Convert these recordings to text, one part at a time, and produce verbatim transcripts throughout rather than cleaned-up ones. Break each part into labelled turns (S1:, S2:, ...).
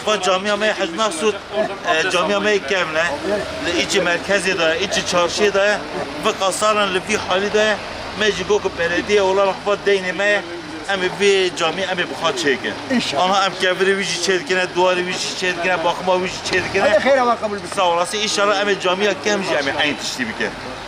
S1: و جامعه ما حج مقصود جامعه ما کمله ایچ مرکزی داره ایچ چارشی داره و قصارن لفی حالی داره مجی گو که بلدیه اولا خفا دین ما ام وی جامعه ام بخواد چیکه آنها ام کبری ویجی چیکنه دواری ویجی چیکنه باخما ویجی چیکنه
S2: خیر Allah kabul etsin.
S1: sağ olasın inşallah ام جامعه کمجی ام aynı تشتی بکه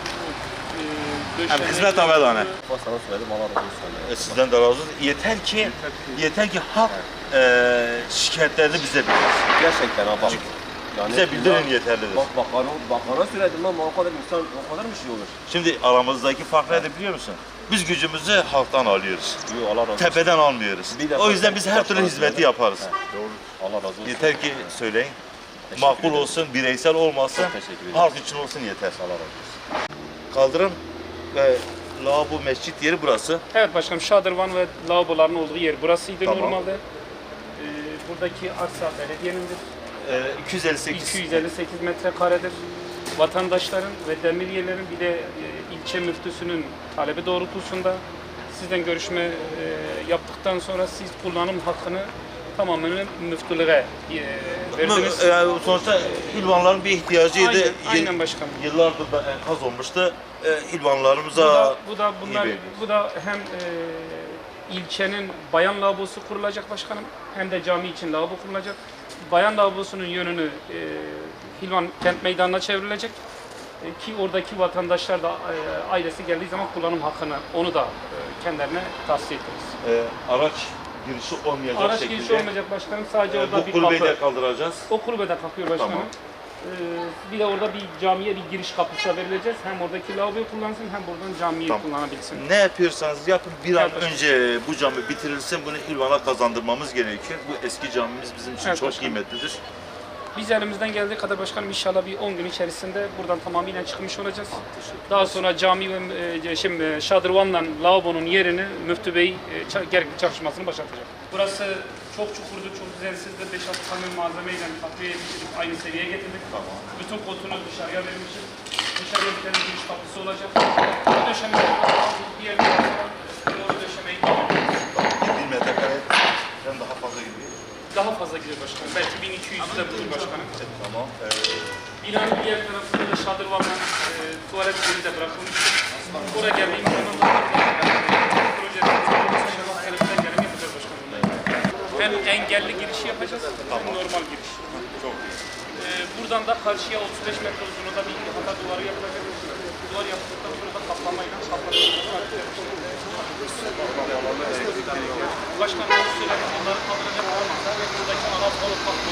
S1: ام hizmet avedane
S3: Sana söyledim Allah razı olsun.
S1: sizden de razı olsun yeter ki yeter ki halk e, şikayetlerini bize bildirsin.
S3: Gerçekten ha bak. Yani
S1: Bize bildirin yeterlidir.
S3: Bak bakana, bakana söyledim lan o kadar insan o kadar mı şey olur?
S1: Şimdi aramızdaki fark nedir biliyor musun? Biz gücümüzü halktan alıyoruz.
S3: Yok Allah razı olsun.
S1: Tepeden almıyoruz.
S3: Bir defa
S1: O yüzden biz her türlü
S3: başkanım
S1: hizmeti
S3: dedi.
S1: yaparız.
S3: He, doğru. Allah razı olsun.
S1: Yeter ki söyleyin.
S3: Teşekkür
S1: Makul
S3: ederim.
S1: olsun, bireysel olmasın,
S3: Teşekkür ederim.
S1: halk için olsun yeter.
S3: Allah razı olsun.
S1: Kaldırım ve lavabo mescit yeri burası.
S4: Evet başkanım, şadırvan ve lavaboların olduğu yer burasıydı
S1: Tamam.
S4: normalde. Ee, buradaki arsa belediyenindir.
S1: Ee, iki yüz elli sekiz.
S4: iki yüz elli sekiz metrekaredir. Vatandaşların ve demiriyelerin bir de e, ilçe müftüsünün talebi doğrultusunda sizden görüşme e, yaptıktan sonra siz kullanım hakkını tamamen müftülüğe e, verdiniz.
S1: Yani sonuçta hilvanların bir ihtiyacıydı.
S4: Aynen,
S1: Yıl-
S4: aynen başkanım.
S1: Yıllardır da enkaz olmuştu. Ee,
S4: Bu
S1: hilvanlarımıza
S4: da, bu da bunlar,
S1: gibi.
S4: bu da hem e, ilçenin bayan lavabosu kurulacak başkanım, hem de cami için lavabo kurulacak. Bayan lavabosunun yönünü e, Hilvan Kent Meydanı'na çevrilecek e, ki oradaki vatandaşlar da e, ailesi geldiği zaman kullanım hakkını onu da e, kendilerine tavsiye ederiz.
S1: e, araç girişi olmayacak
S4: Araç
S1: şekilde.
S4: girişi olmayacak başkanım, sadece
S1: e,
S4: orada
S1: bu
S4: bir
S1: kulübeyi
S4: kapı.
S1: de kaldıracağız.
S4: O kulübede kalkıyor başkanım.
S1: Tamam.
S4: Ee, bir de orada bir camiye bir giriş kapısı verileceğiz. Hem oradaki lavaboyu kullansın hem buradan camiyi
S1: Tamam.
S4: kullanabilsin.
S1: Ne yapıyorsanız yapın bir an
S4: Evet, başkanım.
S1: önce bu cami bitirilsin, bunu Hilvan'a kazandırmamız gerekiyor. Bu eski camimiz bizim için
S4: Evet,
S1: çok
S4: başkanım.
S1: kıymetlidir.
S4: Biz elimizden geldiği kadar başkanım inşallah bir on gün içerisinde buradan tamamıyla çıkmış olacağız. Daha sonra cami ve e, şimdi şadırvanla lavabonun yerini Müftü Bey e, ça- gerekli çalışmasını başlatacak. Burası çok çukurdu, çok düzensizdi. beş altı kamyon malzemeyle takviye edildik, aynı seviyeye getirdik. Tamam. Bütün kotunu dışarıya vermişiz. Dışarıya bir tane giriş kapısı olacak. O döşemeyi bir yerde o döşemeyi
S1: Bir metrekare hem daha fazla gidiyor.
S4: daha fazla gidiyor başkanım. Belki bin iki yüz de bulur başkanım.
S1: Tamam. Ee,
S4: Binanın diğer tarafında da şadırvanla e, tuvalet yeri de bırakılmış. Oraya geldiğimiz zaman da projenin tarafından gelen yapacağız başkanım. Hem engelli girişi yapacağız, hem normal giriş.
S1: çok iyi.
S4: E, buradan da karşıya otuz beş metre uzunluğunda bir hata duvarı yapılacak. Duvar yapıldıktan sonra da kaplamayla kaplanacak. Başkanım onu söyledim, onları kaldıracak olmazsa ve buradaki ana balık